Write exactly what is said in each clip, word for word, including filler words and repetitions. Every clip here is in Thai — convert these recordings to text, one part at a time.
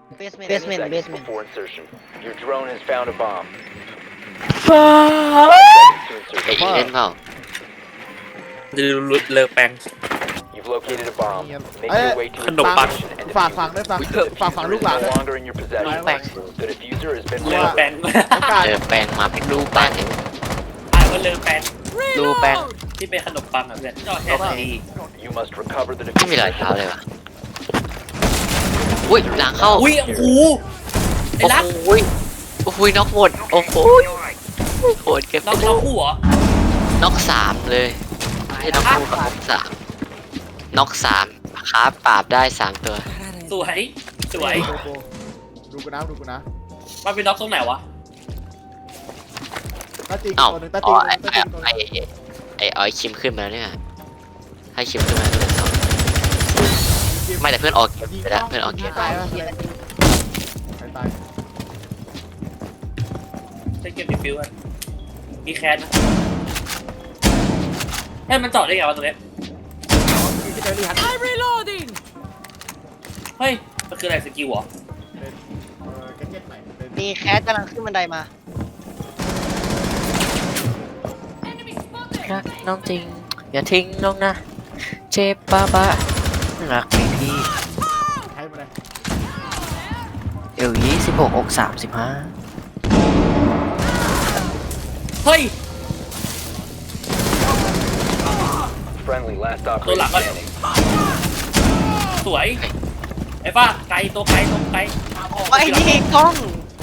Basement, Basement, seconds basement. before insertion. Your drone has found a bomb. ฟ้า Seconds to ไอ้ insertion. เล่นเปล่าจะลุดเลิกแปลง You've located a bomb. Make เอ้ย your way to ขนม its ปัง location and ฝาก defuse ฝัง it. ด้วยฝาก The ฝากฝัง diffuser ลูก is หลาน no ด้วย longer in your possession. The diffuser has been เลิกแปลง located. โอกาสเออแปลงมาเป็นรูปแป้งเห็นอ่านว่าเลิกแปลงรูปแป้งที่เป็นขนมปังอ่ะเพื่อนจอดแค่ดี You must recover the ไม่มีรอย diffuser. เท้าเลยวะอุ้ยหลังเข้าอุ้ยโอ้โหไอ้โอ้รักโหโอ้โหน็อกหมดโอ้โหโหดเก็บน้องน้องคู่เหรอน็อกสามเลยไม่ใช่น็อกคู่กับน็อกสามน็อกสามครับปราบได้สามตัวสวยสวยดูกูดูกูนะดูกูนะมันเป็นน็อกตรงไหนวะตาจีกเอ้าตัวหนึงตาอ๋จีอกตัวหไอ้นึงตาจีกตัวหไอ้นึงไอ้ไอ้ออยคิมขึ้นมาแล้วเนี่ยให้คิมขึ้นมาเป็นสองไม่แต่เพื่อนออกเกมไปแล้วเพื่อนออกเกมตายปะใครตายใช้เกมดิฟิวกันมีแคนนะเฮ้ยมันจอดได้ไงวะตรงเนี้ยที่เดลี่ฮัน Reloading! เฮ้ยมันคืออะไรสกิลเหรอเป็นเอ่อแก๊กเก็ตใหม่เป็นมีแคสกำลังขึ้นบันไดมา Enemy รัก spotted! น้องจริงอย่าทิ้งน้องนะเจ็บป้าบ้ารักไม่พี่ใครมาเลยเอวยี่สิบหกอกสามสิบห้าเฮ้ย Friendly, last Tôi operator lạc ơi. standing. สวยไอ้ฟ้าไกลตัวไกลตัวไกลไอ้นี่กล้อง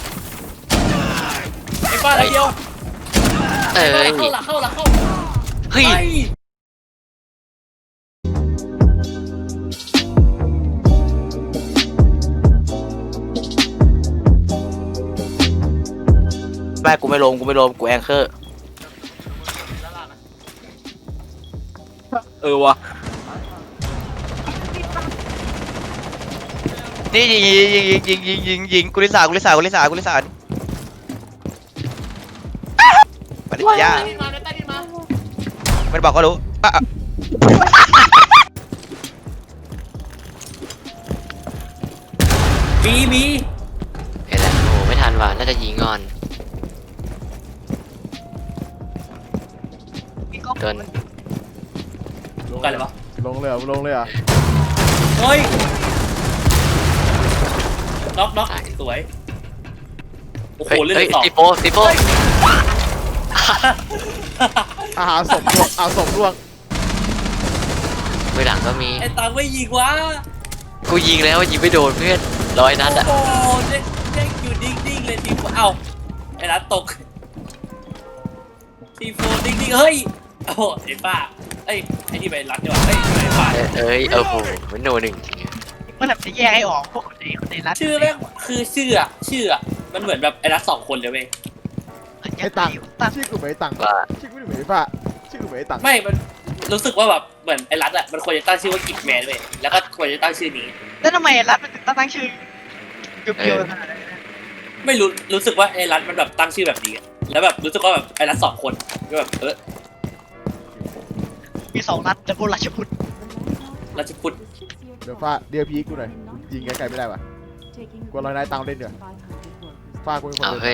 ไอ้ฟ้าอะไรเดียวเอ้ยเข้าหลักเข้าหลักเข้าเฮ้ยไอ้แม่กูไม่ลงกูไม่ลงกูแองเกอร์เออวะนี่ยิงยิงยิงยิงยิงยิงยิงกุลิสากุลิสากุลิสากุลิสาปฏิญามันบอกก็รู้อ่ะมีมีเห็นแล้วโอ้ไม่ทันว่ะน่าจะยิงก่อนมีกล้องโดนกันเลยวะลงเลยเหรอลงเลยเหรอเฮ้ยน็อกน็อกสวยโอ้โหเฮ้ยเลือเฮ้ยดสองติโปติโปอาหารศพร่วงเอาศพร่วงไปหลังก็มีไอ้ตังไม่ยิงวะกูยิงแล้วยิงไม่โดนเพื่อนร้อยนัดอ่ะโอ้โหเจ๊งเจ๊งอยู่นิ่งๆเลยทีมเอ้าไอ้รัดตกทีโฟนิ่งๆเฮ้ยโอ้โหไอ้ป้าเอ้ยไอ้นี่ไปรัดดีกว่าเฮ้ยไอ้ป้าเอ้ยเอ้ยเออโหมันโนหนึ่งจริงมันแบบจะแยกให้ออกพวกคนไหนคนไหนรัดชื่อแม่งคือชื่ออะชื่ออะมันเหมือนแบบไอ้รัดสองคนเลยเว้ยไอ้ตังค์ตังชื่อกูเหมือนไอ้ตังค์ว่าชื่อกูเหมือนไอ้ฟ้าชื่อกูเหมือนไอ้ตังค์ไม่มันรู้สึกว่าแบบเหมือนไอ้รัดอะมันควรจะตั้งชื่อว่ากิจแมนเว้ยแล้วก็ควรจะตั้งชื่อนี้แล้วทำไมรัดมันถึงต้องตั้งชื่อเกี่ยวๆขนาดนั้นไม่รู้รู้สึกว่าไอ้รัดมันแบบตั้งชื่อแบบนี้อะแล้วแบบรู้สึกว่าแบบไอ้รัดสองคนก็แบบเออมีสองรัดจะพูดราชพุทธรัชพุทธเดี๋ยวฟ้าเดียวพีกูหน่อยยิงไกลๆไม่ได้ว่ะกลัวเราได้ตังค์เล่นเดี๋ยวฟ้ากูเป็นคนเอาเดินเฮ้ย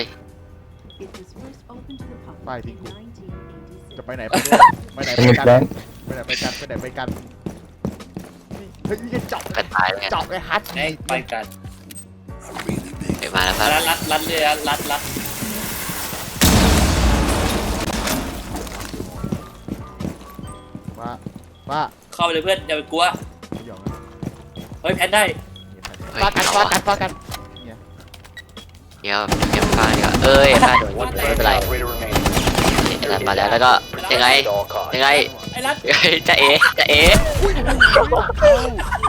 ป้ายทิ้งกู จะไปไหนไปด้วยไปไหนไปกันไปไหนไปกันไปไหนไปกันนี่เฮ้ยยังจับกระตายเลยจับไอ้ฮัทไอ้ไปกันไปมาแล้วครับรัดรัดรัดเลยรัดรัดรัดฟ้าฟ้าเข้าไปเลยเพื่อนอย่าไปกลัวไม่ยอมนะเฮ้ยแพนได้เฮ้ยฟ้ากันเอาฟ้าอะกันฟ้ากันเดี๋ยวเก็บฟ้าดีกว่าเอ้ยฟ้าโดน One ไม่เป็นไร friendly operator remaining. เดี๋ยวมาแล้วแล้วก็ยังไง At all costs. ยังไงไอ้รัดเฮ้ยจะเอ๋จะเอ๋